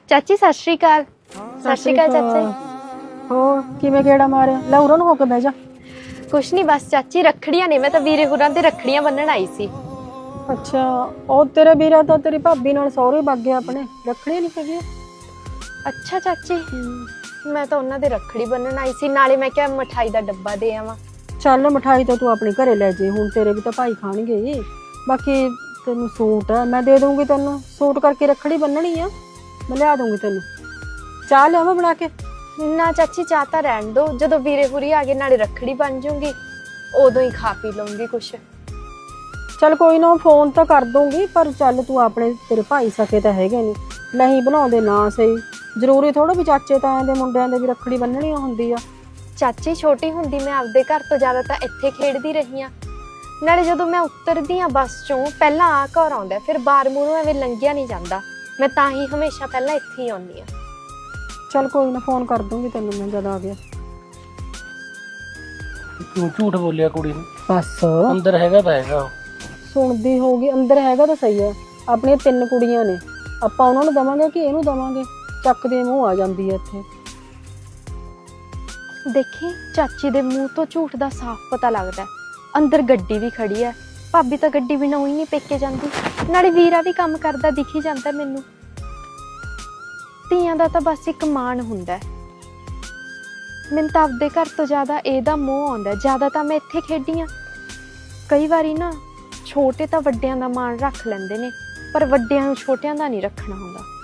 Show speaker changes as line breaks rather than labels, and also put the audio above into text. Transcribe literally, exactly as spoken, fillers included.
ਚਾਚੀ ਸਤਿ ਸ਼੍ਰੀ ਅਕਾਲ। ਸਤਿ ਸ਼੍ਰੀ ਅਕਾਲ ਚਾਚੀ।
ਹੋਰ ਕਿਵੇਂ ਗੇੜਾ ਮਾਰਿਆ? ਲੈ ਉਰਾਂ ਨੂੰ ਹੋ ਕੇ ਬਹਿ ਜਾ।
ਕੁਛ ਨਹੀਂ, ਬਸ ਚਾਚੀ ਰੱਖੜੀਆਂ ਨੇ, ਮੈਂ ਤਾਂ ਵੀਰੇ ਹੋਰਾਂ ਤੇ ਰੱਖੜੀਆਂ ਬੰਨਣ ਆਈ ਸੀ।
ਅੱਛਾ, ਉਹ ਤੇਰੇ ਵੀਰਾ ਤਾਂ ਤੇਰੀ ਭਾਬੀ ਨਾਲ ਸਹੁਰੇ ਵਗ ਗਿਆ ਆਪਣੇ, ਰੱਖੜੀਆਂ ਨਹੀਂ ਹੈਗੀਆਂ।
ਅੱਛਾ ਚਾਚੀ, ਮੈਂ ਤਾਂ ਉਹਨਾਂ ਦੇ ਰੱਖੜੀ ਬੰਨਣ ਆਈ ਸੀ, ਨਾਲੇ ਮੈਂ ਕਿਹਾ ਮਠਾਈ ਦਾ ਡੱਬਾ ਦੇ ਆਵਾਂ।
ਚੱਲ ਮਠਾਈ ਤਾਂ ਤੂੰ ਆਪਣੇ ਘਰੇ ਲੈ ਜੇ, ਹੁਣ ਤੇਰੇ ਵੀ ਤਾਂ ਭਾਈ ਖਾਣਗੇ। ਬਾਕੀ ਤੈਨੂੰ ਸੂਟ ਆ ਮੈਂ ਦੇ ਦੂੰਗੀ, ਤੈਨੂੰ ਸੂਟ ਕਰਕੇ ਰੱਖੜੀ ਬੰਨਣੀ ਆ, ਮੈਂ ਲਿਆ ਦੂੰਗੀ ਤੈਨੂੰ। ਚਾਹ ਲਿਆਵਾਂ ਬਣਾ ਕੇ?
ਨਾ ਚਾਚੀ, ਚਾਹ ਤਾਂ ਰਹਿਣ ਦੋ, ਜਦੋਂ ਵੀਰੇ ਹੁਰੀ ਆ ਗਏ ਨਾਲੇ ਰੱਖੜੀ ਬਣ ਜੂਗੀ, ਉਦੋਂ ਹੀ ਖਾ ਪੀ ਲਊਂਗੀ ਕੁਛ।
ਚੱਲ ਕੋਈ ਨਾ, ਫੋਨ ਤਾਂ ਕਰ ਦੂੰਗੀ, ਪਰ ਚੱਲ ਤੂੰ ਆਪਣੇ ਤੇਰੇ ਭਾਈ ਸਕੇ ਤਾਂ ਹੈਗੇ ਨਹੀਂ, ਨਹੀਂ ਬਣਾਉਂਦੇ ਨਾ ਸਹੀ। ਜ਼ਰੂਰੀ ਥੋੜਾ ਵੀ ਚਾਚੇ ਤਾਇਆਂ ਦੇ ਮੁੰਡਿਆਂ ਦੇ ਵੀ ਰੱਖੜੀ ਬੰਨਣੀ ਹੁੰਦੀ ਆ।
ਚਾਚੀ ਛੋਟੀ ਹੁੰਦੀ ਮੈਂ ਆਪਦੇ ਘਰ ਤੋਂ ਜ਼ਿਆਦਾ ਤਾਂ ਇੱਥੇ ਖੇਡਦੀ ਰਹੀ ਆ, ਨਾਲੇ ਜਦੋਂ ਮੈਂ ਉਤਰਦੀ ਆ ਬੱਸ ਚੋਂ ਪਹਿਲਾਂ ਆ ਘਰ ਆਉਂਦਾ, ਫਿਰ ਬਾਰ ਮੂਹਰੋਂ ਐਵੇਂ ਲੰਘਿਆ ਨਹੀਂ ਜਾਂਦਾ, ਮੈਂ ਤਾਂ ਹੀ ਹਮੇਸ਼ਾ ਪਹਿਲਾਂ ਇੱਥੇ ਹੀ ਆਉਂਦੀ ਆ।
ਚੱਲ ਕੋਈ ਨਾ, ਫੋਨ ਕਰ ਦੂੰਗੀ ਤੈਨੂੰ ਮੈਂ ਜਦ ਆ ਗਿਆ।
ਕਿਉਂ ਝੂਠ ਬੋਲਿਆ ਕੁੜੀ ਨੂੰ?
ਬਸ
ਅੰਦਰ ਹੈਗਾ ਤਾਂ ਹੈਗਾ।
ਸੁਣਦੀ ਹੋਊਗੀ, ਅੰਦਰ ਹੈਗਾ ਤਾਂ ਸਹੀ ਹੈ। ਆਪਣੀਆਂ ਤਿੰਨ ਕੁੜੀਆਂ ਨੇ, ਆਪਾਂ ਉਹਨਾਂ ਨੂੰ ਦਵਾਂਗੇ ਕਿ ਇਹਨੂੰ ਦਵਾਂਗੇ? ਚੱਕਦੇ ਮੂੰਹ ਆ ਜਾਂਦੀ ਹੈ ਇੱਥੇ।
ਦੇਖੀ ਚਾਚੀ ਦੇ ਮੂੰਹ ਤੋਂ ਝੂਠ ਦਾ ਸਾਫ਼ ਪਤਾ ਲੱਗਦਾ। ਅੰਦਰ ਗੱਡੀ ਵੀ ਖੜੀ ਹੈ, ਭਾਬੀ ਤਾਂ ਗੱਡੀ ਬਿਨਾਂ ਹੀ ਨਹੀਂ ਪੇਕੇ ਜਾਂਦੀ, ਨਾਲੇ ਵੀਰਾ ਵੀ ਕੰਮ ਕਰਦਾ ਦਿਖ ਹੀ ਜਾਂਦਾ ਮੈਨੂੰ। ਧੀਆਂ ਦਾ ਤਾਂ ਬਸ ਇੱਕ ਮਾਣ ਹੁੰਦਾ। ਮੈਨੂੰ ਤਾਂ ਆਪਦੇ ਘਰ ਤੋਂ ਜ਼ਿਆਦਾ ਇਹਦਾ ਮੋਹ ਆਉਂਦਾ, ਜ਼ਿਆਦਾ ਤਾਂ ਮੈਂ ਇੱਥੇ ਖੇਡੀ ਹਾਂ। ਕਈ ਵਾਰੀ ਨਾ ਛੋਟੇ ਤਾਂ ਵੱਡਿਆਂ ਦਾ ਮਾਣ ਰੱਖ ਲੈਂਦੇ ਨੇ, ਪਰ ਵੱਡਿਆਂ ਨੂੰ ਛੋਟਿਆਂ ਦਾ ਨਹੀਂ ਰੱਖਣਾ ਹੁੰਦਾ।